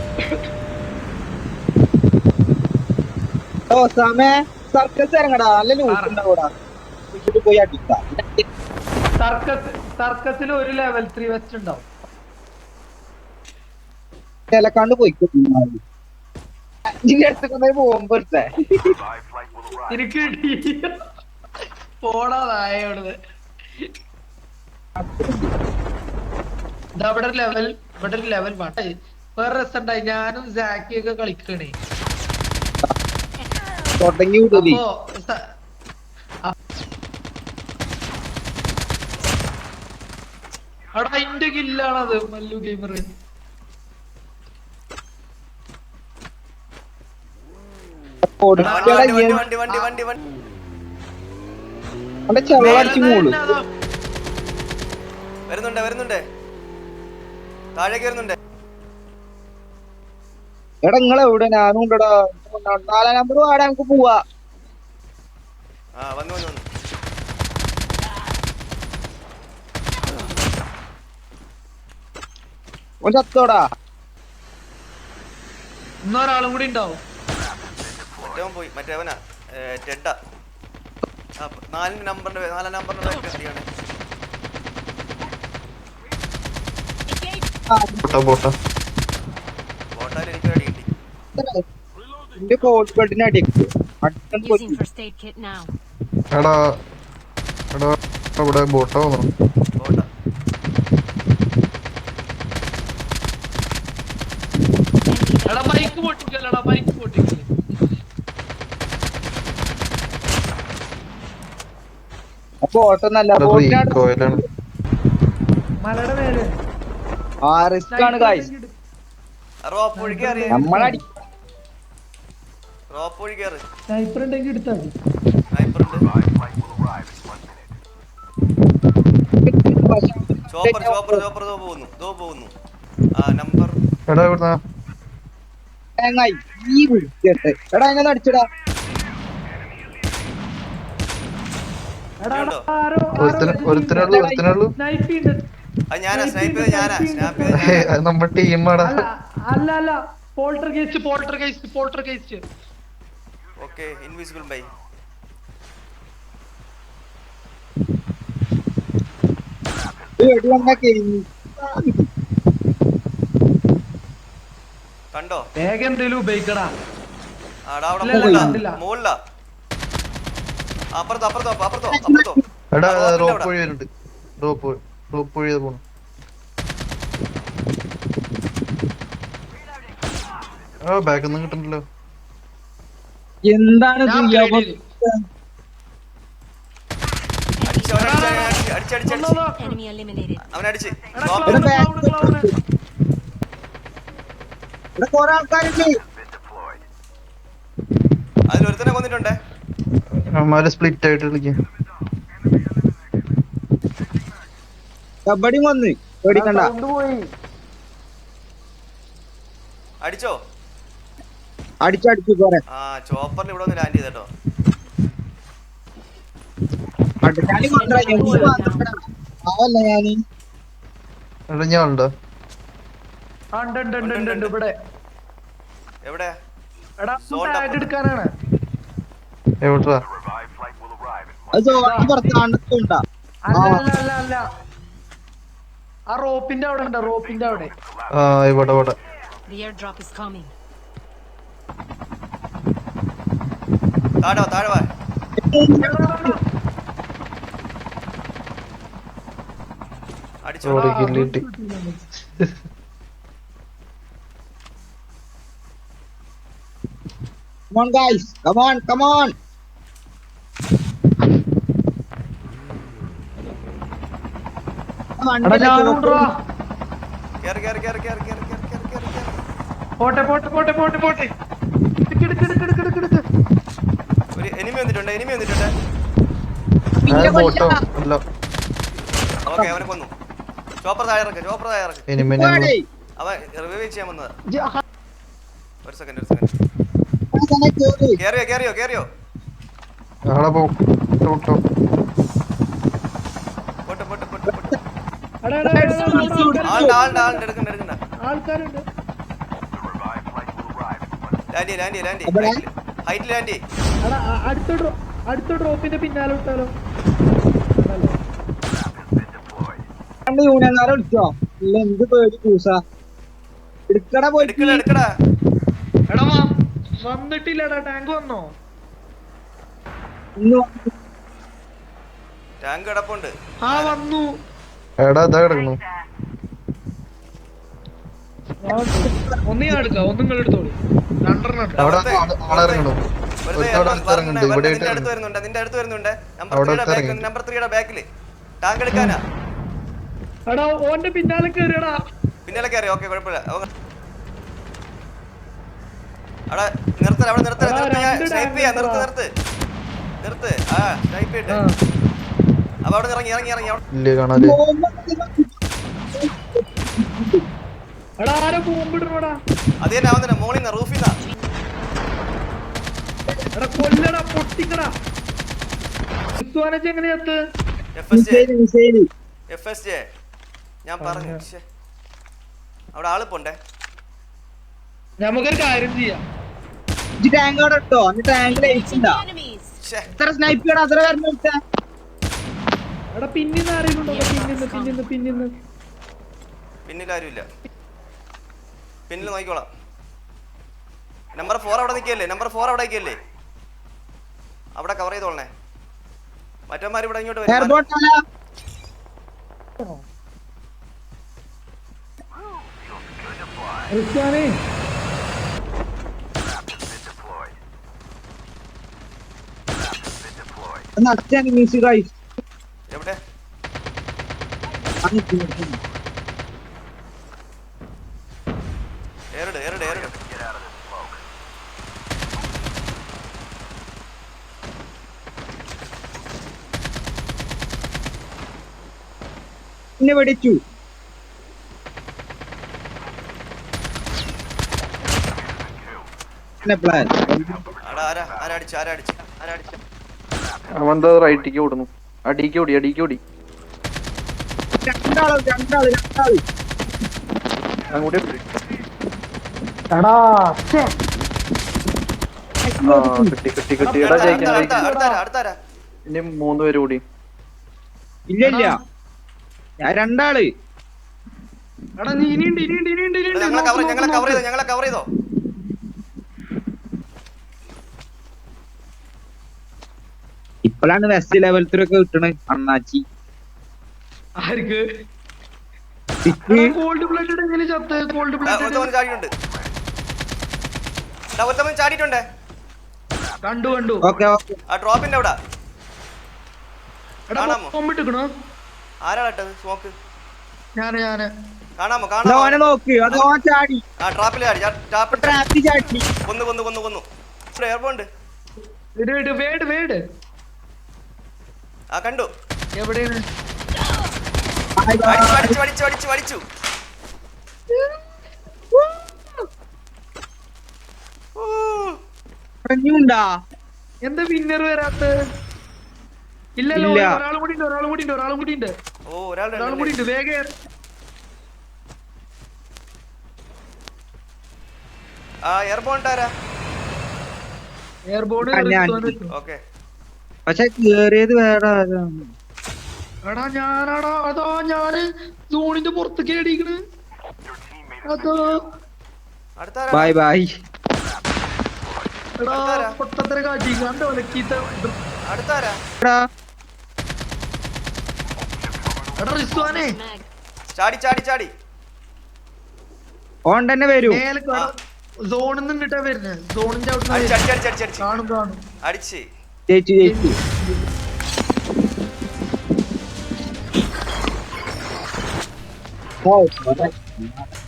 ഓ സമയ സർക്കസ് ഇറങ്ങടാ, നല്ല ലൂട്ട് ഉണ്ടാവൂടാ. പോയി അടിക്കാം. സർക്കസിൽ ഒരു ലെവൽ 3 വെസ്റ്റ് ഉണ്ടാവും. ചിലക്കാണ്ട് പോയിക്കോ. നിന്റെ അടുത്ത് പോകുമ്പോ എനിക്ക് പോടാ നായോട്. ഇവിടെ ഒരു ലെവൽ വേണ്ട. വേറെ രസമുണ്ടായി, ഞാനും സാക്കിയൊക്കെ കളിക്കണേ. തുടങ്ങി വിടലി. അപ്പൊ അവിടെ അതിന്റെ കില്ലാണത് മല്ലു ഗെയിമർ. ചെവളടിച്ച് മൂള്. വരുന്നുണ്ട് താഴേക്ക് വരുന്നുണ്ട്. എടാ നിങ്ങളെ എവിടെ? ഞാനും ഉണ്ടടാ. 4 നമ്പർ വാടാ, നമുക്ക് പോവാ. വന്നു ഓൻ ചത്തോടാ. ഇന്നൊരാളും കൂടി ഉണ്ടാവും. മറ്റവൻ പോയി, മറ്റേവനാ ടെഡാ. 4 നമ്പറിന്റെ അടിയാണ്. ബോട്ടാൽ എനിക്ക് അടി കിട്ടി. എന്റെ കോട്ട് ബെഡിന് അടിക്ക്. Using first aid kit now. എടാ ഇവിടെ ബോട്ടാ തോന്നുന്നു. ബോട്ടാ എടാ ബൈക്ക് പൊട്ടിക്കല്ലേ. ബോട്ടൊന്നല്ല, കോയിലാണ്. മലയുടെ മേലെ റിസ്ക് ആണ് ഗായ്സ്. റോപ്പ് ഒഴി കയറി. നമ്മളടി റോപ്പ് ഒഴി കയറി. സ്നൈപ്പർ ഉണ്ടെങ്കിൽ എടുത്താൽ മതി. സ്നൈപ്പർ ഉണ്ട്. ചോപ്പർ പോകുന്നു. നമ്പർ എടാ ഇവിടുന്നാ ഈ വിളിക്കട്ടെ. എടാ എങ്ങനെ അടിച്ചടാ. ഒരുത്തനുള്ളൂ. ഞാനാ സ്നൈപ്പ് ചെയ്ത്. നമ്മുടെ ടീമാടാ. അല്ല poltergeist. Okay, invisible bye. കണ്ടോ? വേഗം എന്തേലും ഉപയോഗിക്കടാ. മുകളിലാ. അപ്പുറത്തോ. എടാ റോപ്പ് വഴി വരുന്നുണ്ട്. റോപ്പ് വഴി പോണു. ബാക്കിൽ ഒന്നും കിട്ടണ്ടല്ലോ. എന്താണ് Enemy eliminated. അവനടിച്ച്. കൊറേ ആൾക്കാരുണ്ട്. അതിലൊരുത്തനെ കൊന്നിട്ടുണ്ടേ. അവന്മാര് സ്പ്ലിറ്റ് ആയിട്ട് കളിക്കാം. കബഡി വന്ന് പേടിക്കണ്ട. അടിച്ചോ? അടിച്ചു പോരെ. ചോപ്പറിൽ ഇവിടെ ഒന്ന് ലാൻഡ് ചെയ്തോ. അവല്ല ഞാന് ഞാനുണ്ടോ? ഇവിടെ എവിടെ? എടുക്കാനാണ്. എവിടാ? പുറത്താണ്ടാ. അല്ല ആ റോപ്പിന്റെ അവിടെ. ഇവിടെ. The airdrop is coming. താഴെ വാ. അടിച്ചോ. Come on guys, come on. പോട്ടെ. ഒരു എനിമി വന്നിട്ടുണ്ട്. ബോട്ടോ അല്ല. ഓക്കേ, അവനെ കൊന്നു. ചോപ്പർ താഴെ ഇറക്ക്. അവൻ റിവൈവ് ചെയ്യാൻ വന്നതാ. ഒരു സെക്കൻഡ്. കേറിയോ. പോട്ടെ. ആളുണ്ട്. എടുക്കണ്ട. ആൾക്കാരുണ്ട്. ലാൻഡ് അവിടെ? ഹൈറ്റിൽ ലാൻഡ് എടാ അടുത്ത ഡ്രോപ്പിന്റെ പിന്നാലെ വിട്ടാലോ? രണ്ട് യൂണിയൻകാരെ വിളിച്ചോ? ഇല്ല എന്ത് പേടി കൂസ എടുക്കടാ പോയിട്ട്. എടുക്കടാ എടാ വന്നിട്ടില്ലടാ. ടാങ്ക് വന്നോ? ഇന്ന് ടാങ്ക് കിടപ്പുണ്ട്. ആ വന്നു. എടാ ഇതാ കിടക്കുന്നു. ഒന്ന് ഞാൻ എടുക്കാം, ഒന്നും നിങ്ങൾ എടുത്തോളൂ. രണ്ടെണ്ണം ഉണ്ട്. അവിടെ ആളിറങ്ങണു. ഇറങ്ങുന്നുണ്ട് ഇവിടെ നിന്റെ അടുത്ത് വരുന്നുണ്ട്. നമ്പർ 3 ബാക്കില് ടാങ്ക് എടുക്കാനാ. എടാ ഓന്റെ പിന്നാലെ കേറിയടാ. പിന്നാലെ കയറി. ഓക്കെ കുഴപ്പമില്ല. അവിടെ നിർത്ത സ്നൈപ്പ് ചെയ്യാ. നിർത്ത്. ആ സ്നൈപ്പ് ചെയ്തിട്ട് അപ്പൊ അവിടെ ഇറങ്ങി ഇല്ല കാണാല്. എടാ ആരോ ബോംബിടണോടാ. അത് തന്നെ അവൻ തന്നെ മോളിന്ന് റൂഫിന്നാ. എടാ കൊല്ലടാ, പൊട്ടിക്കടാ. എങ്ങനെയാത്ത് FSJ ഞാൻ പറഞ്ഞു. അവിടെ ആള് പോണ്ടേ. നമുക്കൊരു കാര്യം ചെയ്യാം. ടാങ്ക് അവിടെ ഇട്ടോ. ടാങ്ക് ലയിച്ചിണ്ടാ. Enemies. എത്ര സ്നൈപ്പ് ചെയ്യണം അത്ര വരണം. എടാ പിന്നിന്ന് ആരെങ്കിലും പിന്നിന്ന് പിന്നിലാരുമില്ല. പിന്നിൽ നോക്കിക്കോളാം. നമ്പർ 4 അവിടെ നിൽക്കല്ലേ. അവിടെ കവർ ചെയ്തോളണേ. മറ്റന്മാർ ഇവിടെ ഇങ്ങോട്ട് വരും. എയർപോർട്ട് നടത്താൻ മ്യൂസിക് ഗൈസ്. എവിടെ ഏറിട് പിന്നെ വെടിച്ചു. അവന്താ റൈറ്റിക്ക് ഓടുന്നു. അടിക്ക് ഓടി രണ്ടാള് അങ്ങോട്ട്. കിട്ടി. എടാ ജയിക്കാൻ ഇനി 3 പേര് കൂടി. ഇല്ല ഞാൻ രണ്ടാള്. എടാ നീ ഇനിയുണ്ട്. ഞങ്ങളെ കവർ ചെയ്തോ. ഇപ്പോഴാണ് വെസ്റ്റ് ലെവലത്തിലൊക്കെ കിട്ടണ അണ്ണാച്ചി. ആർക്ക് ഗോൾഡ് പ്ലേറ്റഡ് എങ്ങനെ ചത്ത്? ഗോൾഡ് പ്ലേറ്റഡ് ചാടിയിട്ടുണ്ട്. കണ്ടു. ഓക്കെ ആ ഡ്രോപ്പിന്റെ അവിടെ എടാ ബോംബിട്ടിക്കണോ? ആരാളട്ടത് സ്മോക്ക്? ഞാന് കാണാമോ? ഓനെ നോക്ക്. അത് ഓൻ ചാടി. ആ ട്രാപ്പിൽ ട്രാപ്പിൽ ചാടി. കൊന്നു. എയർപോണ്ട് വേട് ആ കണ്ടു. എവിടെയാണ്? വടിച്ചു. പറഞ്ഞുണ്ടാ എന്താ വിന്നർ വരാത്ത? ഇല്ലല്ലോ, ഒരാളും കൂടി ഉണ്ട്. ഓ ഒരാൾ വേഗം ആ എയർപോണ്ടാരാ? എയർബോർഡ്. ഓക്കെ പക്ഷെ കേറിയത് വേറെ. എടാ ഞാനാടാ. അതോ ഞാന് സോണിന്റെ പുറത്തേക്ക് അടിക്കണ്. അതോ ബൈ എടാ പൊട്ടത്തര കാട്ടി കണ്ടോ ലക്കീത്ത. എടാ റിസ്വാനെ ചാടി ഓൺ തന്നെ വരൂ. സോണിൽ നിന്നിട്ടാ വരുന്നത്. സോണിന്റെ അവിടെ കാണും. അടിച്ച് ജയിച്ചു. ഓ